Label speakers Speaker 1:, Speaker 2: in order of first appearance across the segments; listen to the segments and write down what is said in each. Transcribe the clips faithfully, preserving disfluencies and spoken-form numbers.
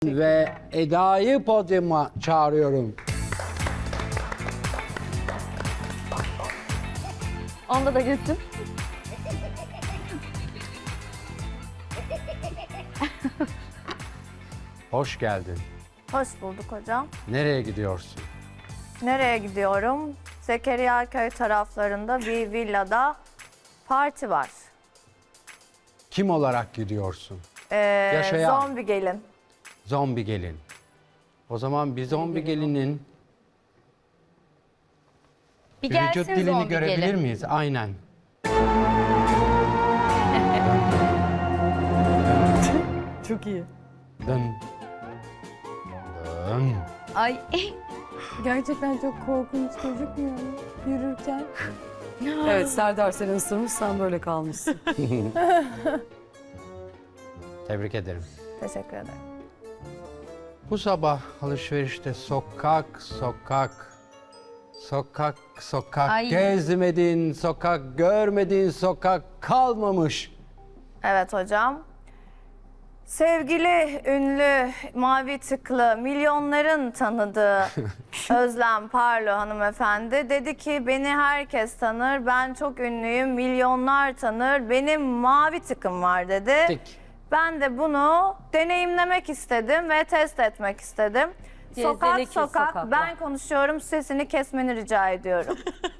Speaker 1: Ve Eda'yı podyuma çağırıyorum.
Speaker 2: Onda da gitsin.
Speaker 1: Hoş geldin.
Speaker 2: Hoş bulduk hocam.
Speaker 1: Nereye gidiyorsun?
Speaker 2: Nereye gidiyorum? Zekeriyaköy taraflarında bir villada parti var.
Speaker 1: Kim olarak gidiyorsun?
Speaker 2: Ee,
Speaker 1: Yaşayan.
Speaker 2: Zombi gelin.
Speaker 1: Zombi gelin. O zaman bir zombi gelinin
Speaker 3: Bir
Speaker 1: bir vücut
Speaker 3: gelsin
Speaker 1: dilini
Speaker 3: zombi
Speaker 1: görebilir
Speaker 3: gelin.
Speaker 1: miyiz? Aynen.
Speaker 4: Çok iyi.
Speaker 1: Dın. Dın.
Speaker 3: Ay
Speaker 5: Gerçekten çok korkunç gözükmüyor mu? Yürürken.
Speaker 4: Evet, Serdar seni ısırmış, sen böyle kalmışsın.
Speaker 1: Tebrik ederim.
Speaker 2: Teşekkür ederim.
Speaker 1: Bu sabah alışverişte sokak sokak sokak sokak
Speaker 3: Ay.
Speaker 1: gezmedin, sokak görmedin, sokak kalmamış.
Speaker 2: Evet hocam. Sevgili, ünlü, mavi tıklı, milyonların tanıdığı Özlem Parlo hanımefendi dedi ki beni herkes tanır, ben çok ünlüyüm, milyonlar tanır, benim mavi tıkım var dedi.
Speaker 1: Tik.
Speaker 2: Ben de bunu deneyimlemek istedim ve test etmek istedim. Sokak
Speaker 4: Gezdelik
Speaker 2: sokak,
Speaker 4: sokaklar.
Speaker 2: ben konuşuyorum, sesini kesmeni rica ediyorum.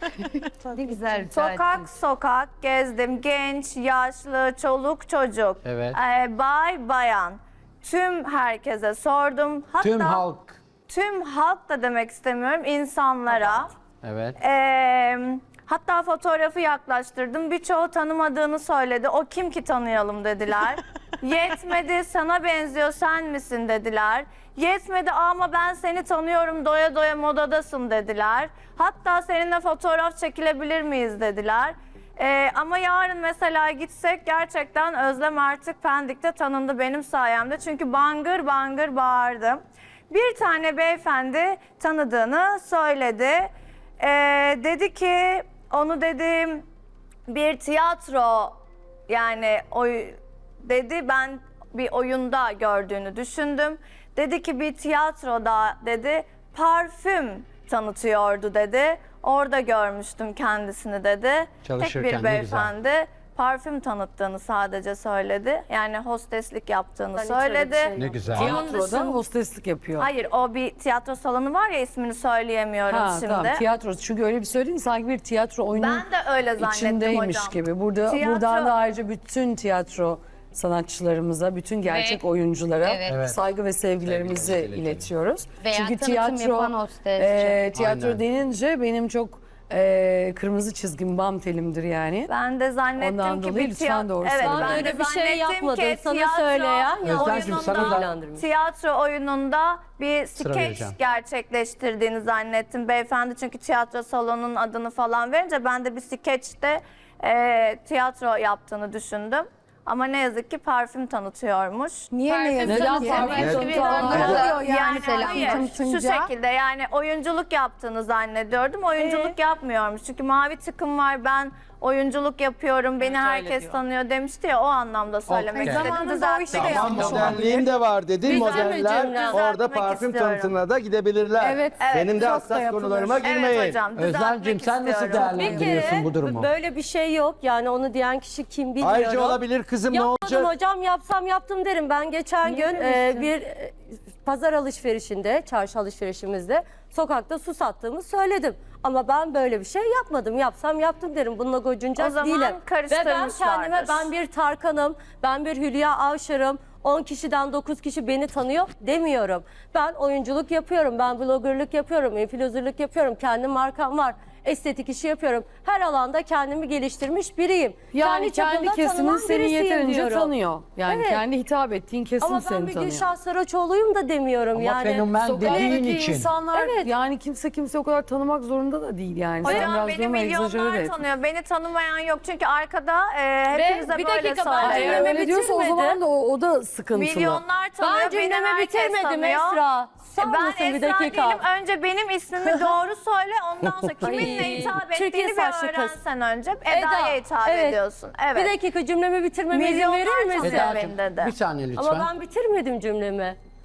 Speaker 3: ne güzel.
Speaker 2: Sokak sokak gezdim. Genç, yaşlı, çoluk, çocuk.
Speaker 1: Evet.
Speaker 2: Ee, bay, bayan. Tüm herkese sordum. Hatta
Speaker 1: Tüm halk.
Speaker 2: tüm halk da demek istemiyorum. İnsanlara.
Speaker 1: Evet.
Speaker 2: Ee, hatta fotoğrafı yaklaştırdım. Birçoğu tanımadığını söyledi. O kim ki tanıyalım dediler. Yetmedi, sana benziyor, sen misin dediler. Yetmedi ama ben seni tanıyorum, doya doya modadasın dediler. Hatta seninle fotoğraf çekilebilir miyiz dediler. Ee, ama yarın mesela gitsek gerçekten Özlem artık Pendik'te tanındı benim sayemde. Çünkü bangır bangır bağırdım. Bir tane beyefendi tanıdığını söyledi. Ee, dedi ki onu dedim bir tiyatro yani oy dedi, ben bir oyunda gördüğünü düşündüm. Dedi ki bir tiyatroda dedi parfüm tanıtıyordu dedi. Orada görmüştüm kendisini dedi.
Speaker 1: Çalışırken
Speaker 2: Tek
Speaker 1: ne
Speaker 2: bir
Speaker 1: güzel.
Speaker 2: beyefendi parfüm tanıttığını sadece söyledi. Yani hosteslik yaptığını
Speaker 4: Ben hiç öyle
Speaker 2: söyledi.
Speaker 4: bir şey
Speaker 1: Ne güzel.
Speaker 4: Tiyatroda hosteslik yapıyor.
Speaker 2: Hayır, o bir tiyatro salonu var ya, ismini söyleyemiyorum
Speaker 4: Ha,
Speaker 2: şimdi.
Speaker 4: tamam, tiyatro. Çünkü öyle bir söyledin sanki bir tiyatro oyunu
Speaker 2: Ben de öyle zannettim
Speaker 4: içindeymiş
Speaker 2: hocam.
Speaker 4: gibi. Burada
Speaker 2: Tiyatro-
Speaker 4: buradan da ayrıca bütün tiyatro sanatçılarımıza, bütün gerçek
Speaker 3: Ve-
Speaker 4: oyunculara
Speaker 3: Evet.
Speaker 1: Evet.
Speaker 4: saygı ve sevgilerimizi
Speaker 1: Sevgilerimizi iletiyoruz.
Speaker 4: iletiyoruz.
Speaker 3: Veya
Speaker 4: Çünkü
Speaker 3: tanıtım
Speaker 4: tiyatro
Speaker 3: yapan hostesçi.
Speaker 4: e, tiyatro
Speaker 1: Aynen.
Speaker 4: denince benim çok e, kırmızı çizgim, bam telimdir yani.
Speaker 2: Ben de zannettim
Speaker 4: Ondan
Speaker 2: ki
Speaker 4: dolayı
Speaker 2: bir
Speaker 4: lütfen
Speaker 2: tiyatro...
Speaker 4: doğru
Speaker 2: Evet,
Speaker 4: söyle.
Speaker 2: ben
Speaker 4: Ben
Speaker 2: de
Speaker 6: öyle bir şey
Speaker 2: zannettim
Speaker 6: yapmadım.
Speaker 2: ki
Speaker 6: Sana
Speaker 2: tiyatro
Speaker 6: söyleyen
Speaker 1: Özlemciğim,
Speaker 2: oyununda-
Speaker 1: sana da-
Speaker 2: Tiyatro oyununda bir skeç
Speaker 1: vereceğim.
Speaker 2: gerçekleştirdiğini zannettim beyefendi. Çünkü tiyatro salonunun adını falan verince ben de bir skeçte e, tiyatro yaptığını düşündüm. Ama ne yazık ki parfüm tanıtıyormuş.
Speaker 5: Niye ne yazık
Speaker 4: Neden
Speaker 5: ki?
Speaker 4: parfüm
Speaker 5: Ne
Speaker 4: tanıtıyorlar?
Speaker 5: oluyor yani
Speaker 2: Yani
Speaker 5: parfüm
Speaker 2: hayır, şu
Speaker 5: tanıtınca?
Speaker 2: şekilde yani oyunculuk yaptığını zannediyordum. Oyunculuk yapmıyormuş. Çünkü mavi tıkım var, ben oyunculuk yapıyorum, beni herkes tanıyor demişti ya, o anlamda söylemek
Speaker 1: Okey.
Speaker 2: istedim.
Speaker 5: Zamanında
Speaker 2: Düzeltmek
Speaker 5: o işi de
Speaker 2: istedim.
Speaker 5: yapmış
Speaker 7: Ama modelliğim de var dedin. Modeller
Speaker 2: cümle.
Speaker 7: orada
Speaker 2: Düzeltmek
Speaker 7: parfüm
Speaker 2: istiyorum.
Speaker 7: tanıtımına da gidebilirler.
Speaker 5: Evet,
Speaker 7: Benim de
Speaker 5: çok da
Speaker 7: hassas
Speaker 5: yapılır.
Speaker 7: konularıma girmeyin.
Speaker 2: Evet hocam,
Speaker 1: Özlemciğim,
Speaker 2: düzeltmek
Speaker 1: sen nasıl
Speaker 2: istiyorum.
Speaker 1: değerlendiriyorsun bu durumu?
Speaker 6: Böyle bir şey yok. Yani onu diyen kişi kim bilmiyorum.
Speaker 7: Ayrıca olabilir kızım, ne
Speaker 6: Yapmadım
Speaker 7: olacak?
Speaker 6: hocam, yapsam yaptım derim. Ben geçen gün e, bir e, pazar alışverişinde, çarşı alışverişimizde sokakta su sattığımı söyledim. Ama ben böyle bir şey yapmadım. Yapsam yaptım derim. Bununla gocunacak
Speaker 2: O zaman
Speaker 6: değilim. Ve ben
Speaker 2: karıştırmışlardır.
Speaker 6: kendime ben bir Tarkan'ım, ben bir Hülya Avşar'ım. on kişiden dokuz kişi beni tanıyor demiyorum. Ben oyunculuk yapıyorum, ben bloggerlık yapıyorum, influencerlık yapıyorum. Kendi markam var. Estetik işi yapıyorum. Her alanda kendimi geliştirmiş biriyim.
Speaker 4: Yani kendi
Speaker 6: çapında
Speaker 4: kesimin
Speaker 6: tanınan
Speaker 4: seni
Speaker 6: birisiyim
Speaker 4: yeterince
Speaker 6: diyorum.
Speaker 4: tanıyor. Yani
Speaker 6: Evet.
Speaker 4: kendi hitap ettiğin kesim
Speaker 6: Ama ben
Speaker 4: seni
Speaker 6: bir
Speaker 4: tanıyor.
Speaker 6: Gülşah Saraçoğlu'yum da demiyorum
Speaker 1: Ama
Speaker 6: yani.
Speaker 1: fenomen dediğin
Speaker 4: Sokaktaki
Speaker 1: için.
Speaker 4: insanlar
Speaker 6: Evet.
Speaker 4: yani kimse kimse o kadar tanımak zorunda da değil yani. Sen
Speaker 2: Hocam
Speaker 4: biraz
Speaker 2: beni
Speaker 4: duruma egzajere
Speaker 2: milyonlar
Speaker 4: et.
Speaker 2: tanıyor. Beni tanımayan yok. Çünkü arkada e, hepinize
Speaker 6: bir
Speaker 2: böyle
Speaker 6: dakika, ben
Speaker 2: söylüyorum.
Speaker 6: cümlemi
Speaker 4: Öyle diyorsa o
Speaker 6: bitirmedi.
Speaker 4: zaman da o, o da sıkıntılı.
Speaker 2: Milyonlar tanıyor.
Speaker 6: Ben
Speaker 2: beni
Speaker 6: cümlemi
Speaker 2: herkes
Speaker 6: bitirmedim
Speaker 2: tanıyor.
Speaker 6: Esra. Sağ
Speaker 2: Ben
Speaker 6: mısın bir
Speaker 2: Esra
Speaker 6: dakika?
Speaker 2: değilim. Önce benim ismimi doğru söyle. Ondan sonra kiminle
Speaker 6: Ay,
Speaker 2: hitap
Speaker 6: Türkiye
Speaker 2: ettiğini bir
Speaker 6: saçlı kız.
Speaker 2: öğrensen önce. Eda'ya hitap
Speaker 6: evet.
Speaker 2: ediyorsun. Evet.
Speaker 6: Bir dakika, cümlemi bitirmeme izin
Speaker 2: Milyonlar
Speaker 6: verir misin?
Speaker 2: tanıyor
Speaker 1: Eda'cığım,
Speaker 2: beni dedi.
Speaker 1: bir saniye lütfen.
Speaker 6: Ama ben bitirmedim cümlemi.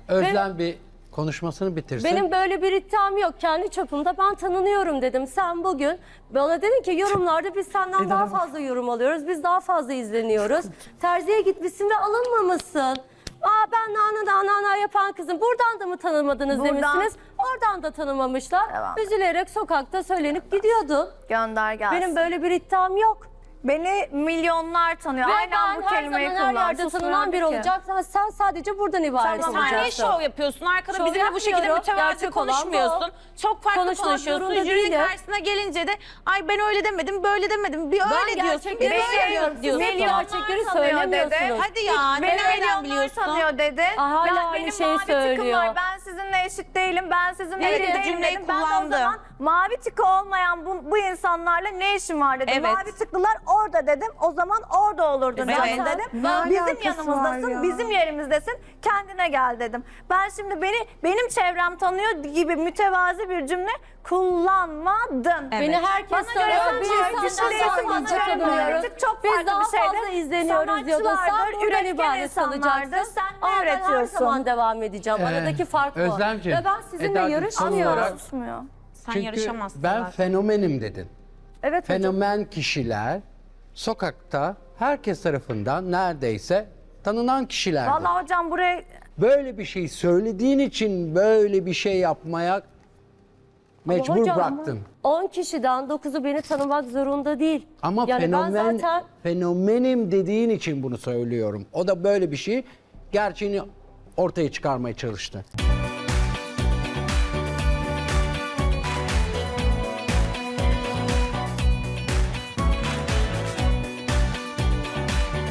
Speaker 1: Özlem bir konuşmasını bitirsin.
Speaker 6: Benim böyle bir iddiam yok. Kendi çapımda ben tanınıyorum dedim. Sen bugün bana dedin ki yorumlarda biz senden daha fazla yorum alıyoruz. Biz daha fazla izleniyoruz. Terziye gitmişsin ve alınmamışsın. Aa ben nana nana nana yapan kızım. Buradan da mı tanımadınız
Speaker 2: Buradan.
Speaker 6: demişsiniz. Oradan da tanımamışlar.
Speaker 2: Devam.
Speaker 6: Üzülerek sokakta söylenip gidiyordun.
Speaker 2: Gönder gelsin.
Speaker 6: Benim böyle bir iddiam yok.
Speaker 2: Beni milyonlar tanıyor.
Speaker 6: Ve
Speaker 2: Aynen
Speaker 6: ben
Speaker 2: bu
Speaker 6: her
Speaker 2: kelimeyi
Speaker 6: zaman her
Speaker 2: kullan.
Speaker 6: yerde
Speaker 2: Susmuyor
Speaker 6: tanınan biri
Speaker 2: ki.
Speaker 6: olacak. Sen- Sen sadece buradan ibaret
Speaker 2: Tamam,
Speaker 6: olacaksın.
Speaker 8: Sen niye şov yapıyorsun? Arkada
Speaker 6: Şov
Speaker 8: bizimle bu şekilde
Speaker 6: yapmıyorum.
Speaker 8: mütevazi
Speaker 6: Gerçek olan
Speaker 8: konuşmuyorsun. Çok farklı
Speaker 6: Konuşmak
Speaker 8: konuşuyorsun.
Speaker 6: zorunda
Speaker 8: Jürinin
Speaker 6: değilim.
Speaker 8: karşısına gelince de ay ben öyle demedim, böyle demedim. Bir
Speaker 6: Ben
Speaker 8: öyle diyorsun, bir
Speaker 6: gerçekleri
Speaker 8: böyle
Speaker 6: söylüyorum.
Speaker 8: diyorsun.
Speaker 6: Siz
Speaker 2: Milyonlar
Speaker 6: gerçekleri
Speaker 2: tanıyor dedi.
Speaker 6: söylemiyorsunuz.
Speaker 8: Hadi ya,
Speaker 2: Beni
Speaker 8: nereden
Speaker 2: milyonlar
Speaker 8: biliyorsun?
Speaker 2: tanıyor dedi.
Speaker 6: Aa, hala
Speaker 2: Ben-
Speaker 6: aynı
Speaker 2: benim
Speaker 6: şeyi
Speaker 2: mavi tikim
Speaker 6: söylüyor.
Speaker 2: var. Ben sizinle eşit değilim. Ben sizinle
Speaker 8: Evet,
Speaker 2: eşit değilim
Speaker 8: cümleyi
Speaker 2: dedim. Ben de o
Speaker 8: kullandı.
Speaker 2: zaman mavi tiki olmayan bu, bu insanlarla ne işim var dedim.
Speaker 8: Evet.
Speaker 2: Mavi tıklılar orada dedim. O zaman orada olurdun
Speaker 8: Evet.
Speaker 2: zaten dedim.
Speaker 5: Ne
Speaker 2: Bizim
Speaker 5: alakası
Speaker 2: yanımızdasın,
Speaker 5: var ya?
Speaker 2: bizim yerimizdesin. Kendine gel dedim. Ben şimdi beni benim çevrem tanıyor gibi mütevazi bir cümle kullanmadın.
Speaker 6: Beni herkes
Speaker 2: Bana göre
Speaker 6: tanıyor.
Speaker 2: sen
Speaker 6: Bir
Speaker 2: çok
Speaker 6: insandan
Speaker 2: güçlüsün,
Speaker 6: sonra
Speaker 2: bana göre
Speaker 6: tanımıyoruz.
Speaker 2: politik çok
Speaker 6: Biz
Speaker 2: farklı
Speaker 6: daha
Speaker 2: bir şeydi.
Speaker 6: fazla izleniyoruz diyordun. Sen
Speaker 2: Sanatçılardır,
Speaker 6: buradan
Speaker 2: üretken
Speaker 6: ibaret
Speaker 2: insanlardır.
Speaker 6: kalacaksın.
Speaker 2: Sen
Speaker 6: Ama
Speaker 2: ne
Speaker 6: ben her
Speaker 2: üretiyorsun?
Speaker 6: zaman devam edeceğim.
Speaker 1: Ee,
Speaker 6: Aradaki fark bu.
Speaker 1: Özlemciğim,
Speaker 6: Ve ben sizinle
Speaker 1: Eda'cığım,
Speaker 6: yarışmıyorum.
Speaker 1: son olarak-
Speaker 2: Susmuyor.
Speaker 8: Sen
Speaker 1: Çünkü
Speaker 8: yarışamazsın
Speaker 1: ben
Speaker 8: zaten.
Speaker 1: fenomenim dedin.
Speaker 2: Evet hocam.
Speaker 1: Fenomen kişiler sokakta herkes tarafından neredeyse tanınan kişilerdi.
Speaker 2: Vallahi hocam buraya
Speaker 1: Böyle bir şey söylediğin için böyle bir şey yapmaya mecbur
Speaker 6: hocam,
Speaker 1: bıraktın.
Speaker 6: on kişiden dokuzu beni tanımak zorunda değil.
Speaker 1: Ama
Speaker 6: yani
Speaker 1: fenomen
Speaker 6: ben zaten
Speaker 1: fenomenim dediğin için bunu söylüyorum. O da böyle bir şey gerçeğini ortaya çıkarmaya çalıştı.